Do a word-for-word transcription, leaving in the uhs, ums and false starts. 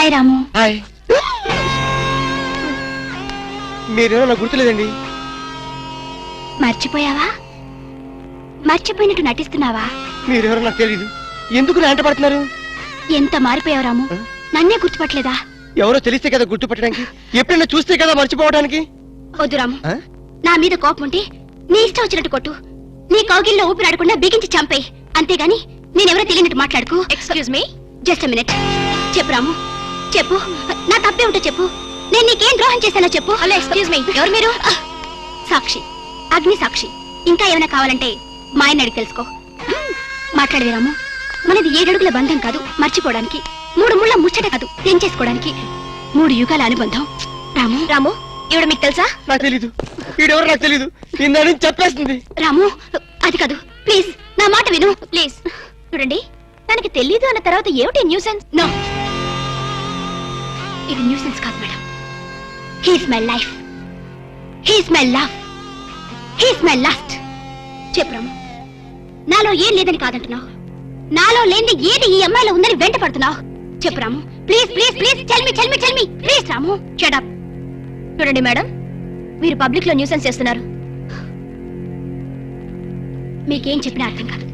Hi రాము. Hi. మీరేమో నాకు గుర్తులేదండి. మర్చిపోయావా? మర్చిపోయినట్టు నటిస్తున్నావా? మీరెవరో నాకు తెలీదు. ఎందుకు నా వెంట పడుతున్నారు? ఎంత మారిపోయావు రాము, నన్నే గుర్తుపట్టలేదా? ఎవరో తెలిస్తే కదా గుర్తుపట్టడానికి, ఎప్పుడైనా చూస్తే కదా మర్చిపోవడానికి. వద్దు రాము, నా మీద కోపం ఉంటే నీ ఇష్టం వచ్చినట్టు కొట్టు, నీ కౌగిల్లో ఊపిరాడకుండా బిగించి చంపేయి, అంతేగాని నేనెవరో తెలియనట్టు మాట్లాడుకో. Excuse me, just minute. చెప్పు రాము, చెప్పు, నా తప్పే ఉంటో చెప్పు. నేను నీకేం ద్రోహం చేశానో చెప్పు. హలో, ఎక్స్క్యూజ్ మీ, ఎవరు మీరు? సాక్షి, అగ్ని సాక్షి. ఇంకా ఏమైనా కావాలంటే మా ఆయన అడిగి తెలుసుకో. మాట్లాడవే రాము, మనది ఏడడుగుల బంధం కాదు మర్చిపోవడానికి, మూడు ముళ్ళ ముచ్చట కాదు తెంచేసుకోవడానికి, మూడు యుగాల అనుబంధం. రాము రాము ఈవిడ మీకు తెలుసా? నాకు తెలీదు. ఈడెవరో నాకు తెలీదు. ఇందని చెప్పేస్తుంది. రాము అది కాదు, ప్లీజ్ నా మాట విను ప్లీజ్. చూడండి, తనకి తెలీదు అన్న తర్వాత ఏమిటి న్యూసెన్స్? నో, ఇది న్యూసెన్స్ కాదు madam. He's my life, he's my love, he's my last. చెప్పు రాము, నాలో ఏం లేదని కాదంటున్నావు, నాలో లేని ఏది ఈ అమ్మాయిలో ఉందని వెంట పడుతున్నావు. చెప్పు Ramu, please please please tell me tell me tell me please. Ramu shut up. చూడండి మేడం, మీరు పబ్లిక్ లో న్యూసెన్స్ చేస్తున్నారు. మీకేం చెప్పినా అర్థం కాదు.